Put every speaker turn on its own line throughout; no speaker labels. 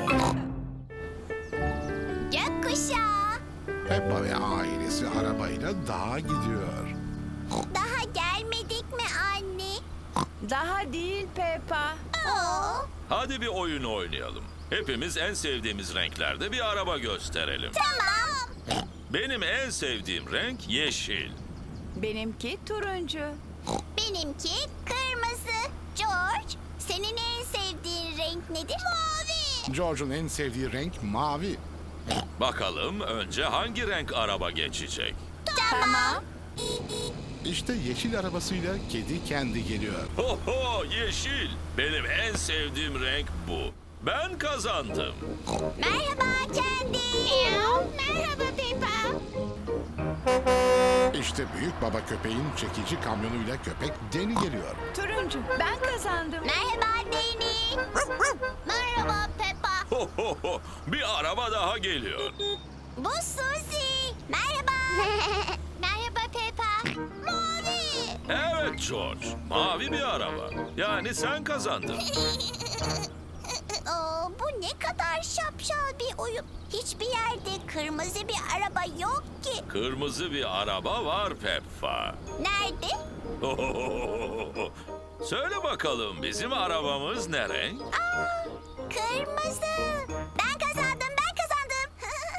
Gökkuşağı.
Peppa ve ailesi arabayla dağa gidiyor.
Daha gelmedik mi anne?
Daha değil Peppa.
Oo.
Hadi bir oyun oynayalım. Hepimiz en sevdiğimiz renklerde bir araba gösterelim.
Tamam.
Benim en sevdiğim renk yeşil.
Benimki turuncu.
Benimki kırmızı. George, senin en sevdiğin renk nedir? Mavi.
George'un en sevdiği renk mavi.
Bakalım önce hangi renk araba geçecek?
Tamam.
İşte yeşil arabasıyla kedi kendi geliyor.
Ho ho, yeşil. Benim en sevdiğim renk bu. Ben kazandım.
Merhaba Kendi. Merhaba Peppa.
İşte büyük baba köpeğin çekici kamyonuyla köpek Deni geliyor.
Turuncu. Ben kazandım.
Merhaba Deni. Merhaba Peppa.
Ho ho ho, bir araba daha geliyor.
Bu Suzy. Merhaba. Merhaba Peppa. Mavi.
Evet George, mavi bir araba. Yani sen kazandın.
Oo, bu ne kadar şapşal bir oyun. Hiçbir yerde kırmızı bir araba yok ki.
Kırmızı bir araba var Peppa.
Nerede?
Söyle bakalım bizim arabamız ne renk?
Aa, kırmızı. Ben kazandım, ben kazandım.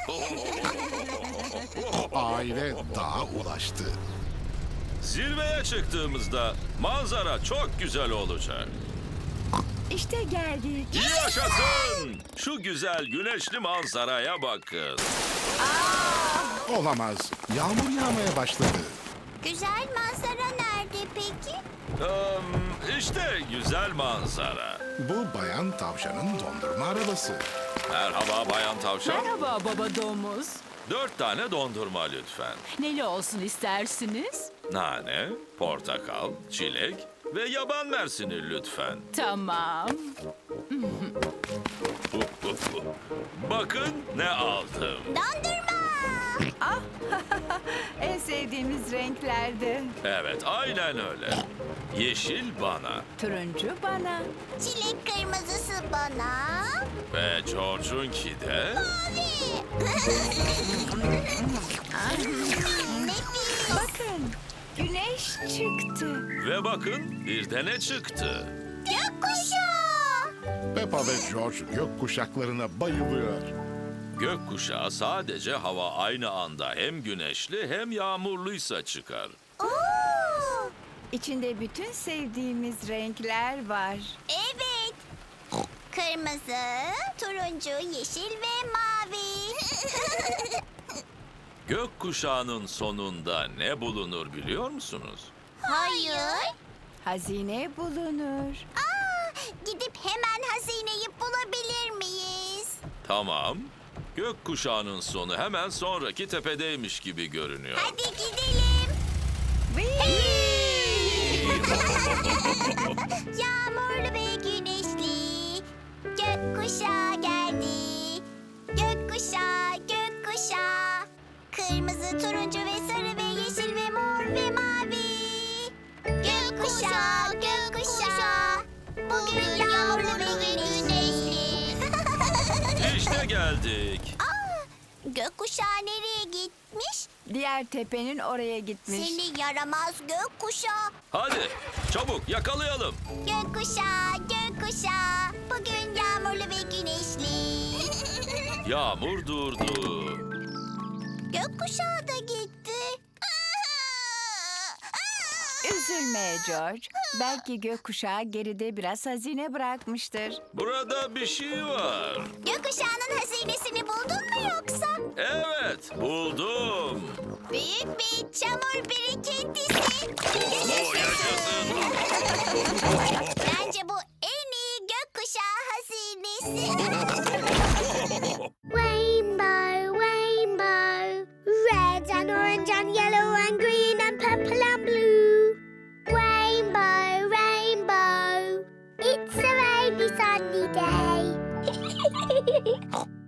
Aile dağa ulaştı.
Zirveye çıktığımızda manzara çok güzel olacak.
İşte geldik.
Yaşasın! Şu güzel güneşli manzaraya bakın.
Olamaz. Yağmur yağmaya başladı.
Güzel manzara nerede peki?
İşte güzel manzara.
Bu bayan tavşanın dondurma arabası.
Merhaba Bayan Tavşan.
Merhaba baba domuz.
4 tane dondurma lütfen.
Neli olsun istersiniz?
Nane, portakal, çilek ve yaban mersini lütfen.
Tamam.
Bakın ne aldım.
Dondurma.
En sevdiğimiz renklerde.
Evet, aynen öyle. Yeşil bana
Turuncu bana.
Çilek kırmızısı bana.
ve George'unki de...
Mavi. Nefis.
Bakın. Güneş çıktı.
Ve bakın bir de ne çıktı.
Gökkuşağı.
Peppa ve George gök kuşaklarına bayılıyor.
Gökkuşağı sadece hava aynı anda hem güneşli hem yağmurluysa çıkar.
Oo.
İçinde bütün sevdiğimiz renkler var.
Evet. Kırmızı, turuncu, yeşil ve mavi.
Gökkuşağının sonunda ne bulunur biliyor musunuz?
Hayır.
Hazine bulunur.
Aa, gidip hemen hazineyi bulabilir miyiz?
Tamam. Gökkuşağının sonu hemen sonraki tepedeymiş gibi görünüyor.
Hadi gidelim. Yağmurlu ve güneşli gökkuşağı geldi. Gökkuşağı, gökkuşağı. Kırmızı, turuncu ve sarı ve yeşil ve mor ve mavi. Gökkuşağı, gökkuşağı. Bugün yağmurlu ve güneşli.
İşte geldik.
Aa, gökkuşağı nereye gitmiş?
Diğer tepenin oraya gitmiş.
Seni yaramaz gökkuşağı.
Hadi çabuk yakalayalım.
Gökkuşağı, gökkuşağı. Bugün yağmurlu ve güneşli.
Yağmur durdu.
Gökkuşağı da gitti.
Üzülme George. Belki gökkuşağı geride biraz hazine bırakmıştır.
Burada bir şey var.
Gökkuşağının hazinesini buldun mu yoksa?
Evet, buldum.
Büyük bir çamur birikintisi.
Oo, yaşasın.
Bence bu en iyi gökkuşağı hazinesi. Rainbow, rainbow, red and orange and yellow and green and purple and blue. Rainbow, rainbow, it's a rainy sunny day.